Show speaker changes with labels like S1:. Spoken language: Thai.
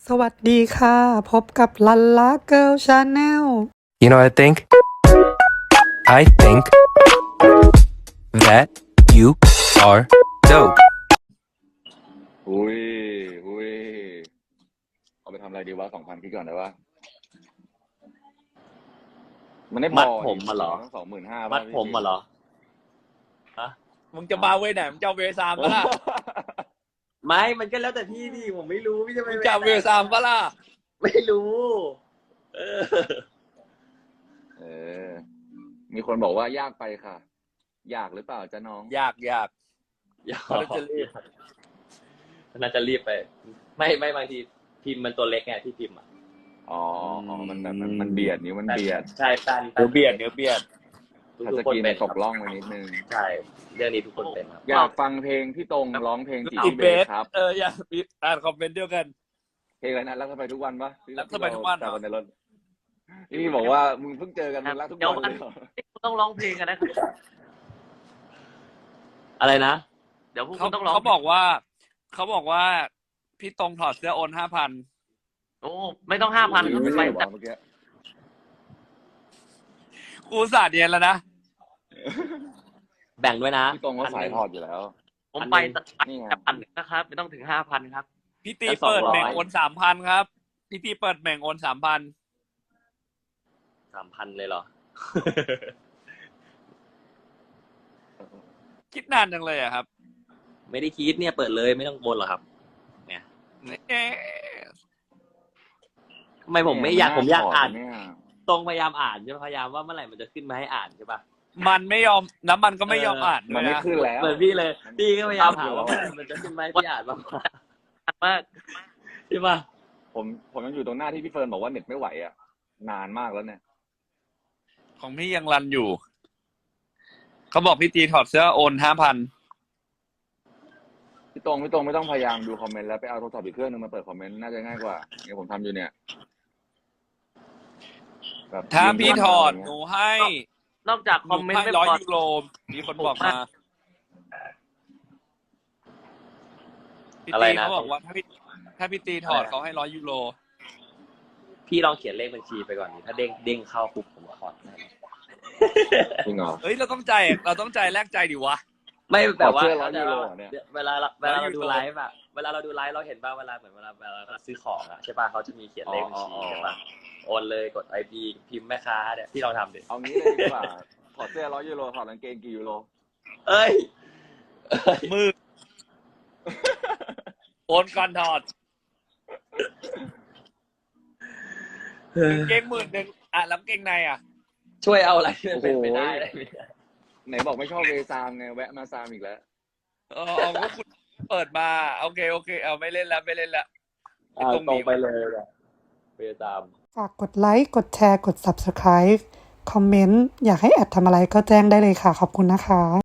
S1: สวัสดีค่ะพบกับลันลาเกิร์ลชาแนล
S2: You know what I think? I think that you are dope.
S3: อุ้ยอุ้ยเอาไปทำอะไรดีวะ2,000คิดก่อนได้ปะมันได้พอ
S4: มัดผมมาเหรอ
S3: ต้อง25,000
S4: มัดผมมาเหรอฮะ
S5: มึงจะมาเวไหนมึงจะเอาเวซามปะล่ะ
S4: ไม่มันก็แล้วแต่พี่ดิผมไม่รู้พี่จะไป
S5: มึงจะเอาเวซามปะล่ะ
S4: ไม่รู้ เออ
S3: เออ มีคนบอกว่ายากไปค่ะ ยากหรือเปล่าจ๊ะน้อง
S5: อยาก
S4: อย่า
S5: เขาจะรีบ
S4: น่าจะรีบไป ไม่บางทีพิมพ์มันตัวเล็กไงที่พิมพ์อ่ะ
S3: อ๋อมันแบบมันเบียดนิ้วมันเบียด
S4: ใช่ป้าน
S5: เนื้อเบียด
S3: ทัช
S4: ทุ
S3: ส
S4: กคน
S3: กรีน
S4: เป็น
S3: ตกล่องไปนิดนึง
S4: ใช่เรื่องนี้ทุกคนเป็นครับ
S3: อยากฟังเพลงที่ตรงร้องเพลงจี
S5: อี
S3: บ
S5: เบ
S3: เบ
S5: ส
S3: สครับ
S5: อยากอ่านคอมเมนต์เดียวกัน
S3: เพลงอะไรนะรักเธอไปทุกวันปะ
S5: รักเธอไปทุกวันเหรอ
S3: แต่ในรถนี่บอกว่ามึงเพิ่งเจอกันมึงรักทุกวันเลยเหรอ
S4: ต้องร้องเพลงกันนะครับอะไรนะเดี๋ยวพวกคุณต้องร้อง
S5: เขาบอกว่าพี่ตรงถอดเสื้อโอน5,000
S4: โอ้ไม่ต้อง5,000ก็
S3: ไม่
S4: ไป
S3: ใช่หรอเมื่อกี้
S5: กูอุตสาห์เนียนแล้วนะ
S4: แบ่งด้วยนะ
S3: พี่ตรงก็สายถอดอยู่แล้ว
S4: ผมไป
S3: นี่ไง
S4: 1,000นะครับไม่ต้องถึง5,000ครับ
S5: พี่ตี
S4: แล้ว200
S5: เปิดแบ่งโอน3,000ครับพี่ตีเปิดแบ่งโอน3,000
S4: 3,000เลยเหรอ
S5: คิดนานจังเลยอะครับ
S4: ไม่ได้คิดเนี่ยเปิดเลยไม่ต้องบนหรอกครับเนี่ย
S5: เอ๊ะ
S4: ทำไมผมไม่อยากผมอยากอ่าน
S3: เนี่ย
S4: ตรงพยายามอ่านใช่ไหมพยายามว่าเมื่อไหร่มันจะขึ้นมาให้อ่านใช่ปะ
S5: มันไม่ยอมน้ำมันก็ไม่ยอมอ่านด้
S3: มั
S5: วน ย
S3: ไม่
S5: นะ
S3: ขึ้นแล้ว
S4: เหมือนพี่เลยพี่ก็พยายามหาว่าเมื่อไหร่มันจะขึ้นมาให้พี่อ่านบ้างมากใช่ปะ
S3: ผมยังอยู่ตรงหน้าที่พี่เฟิร์นบอกว่าเน็ตไม่ไหวอ่ะนานมากแล้วเนี่ย
S5: ของพี่ยังรันอยู่ เขาบอกพี่ตีถอดเสื้อโอน5,000
S3: พี่ตรงไม่ต้องพยายามดูคอมเมนต์แล้วไปเอาโทรศัพท์อีกเครื่องนึงมาเปิดคอมเมนต์น่าจะง่ายกว่าเนี่ยผมทำอยู่เนี่ยแบบ
S5: ถ้าพี่ถอด
S3: ยิง
S5: ห
S3: เข้า
S5: นู
S3: มา
S5: ให้
S4: นอกจาก
S5: ห
S4: คอ
S5: นู
S4: มเมนต์
S5: ให้
S4: ไม่
S5: 100
S4: พอ
S5: ยูโรมีคนบอกมาพี่
S4: อะไร
S5: ตี
S4: นะ
S5: เขาบอกว่าถ้าพี่ตีถอดเขาให้100 ยูโร
S4: พี่ลองเขียนเลขบัญชีไปก่อนดิถ้าเด้งเข้าปุ๊บผมขอให้
S3: จริงเหรอ
S5: เฮ้ยเราต้องใจแลกใจดิวะ
S4: ไม่แบบว่า
S3: ขอเสื้อ100ยูโรเนี่ย
S4: เวลาเรา
S5: 100
S4: ดูไลฟ์อะเวลาเราดูไลฟ์เราเห็นป่ะเวลาเราซื้อของอะใช่ป่ะเขาจะมีเขียนเลขบัญชีใช่ป่ะโอนเลยกด IP พิมพ์แม่ค้าเนี่ยพี่ลองทำดิ
S3: เอางี้เลยดีกว่าถอดเสื้อ100 ยูโรถอดกางเกงกี่ยูโร
S4: เอ้ย
S5: มือโอนก่อนถอดกางเกง10,000อ่ะแล้วกางเกงในอ่ะ
S4: ช่วยเอาอะไรที่มันเป็นไปได้ไหม
S3: ไหนบอกไม่ชอบเวซามไงแวะมาซามอีกแล้ว
S5: เอาก็คุณเปิดมาโอเคเอาไม่เล่นแล้ว
S4: ตรงไปเลยอะไปตาม
S1: ฝากกดไลค์ กดแชร์ กด Subscribe คอมเมนต์ อยากให้แอดทำอะไรก็แจ้งได้เลยค่ะ ขอบคุณนะคะ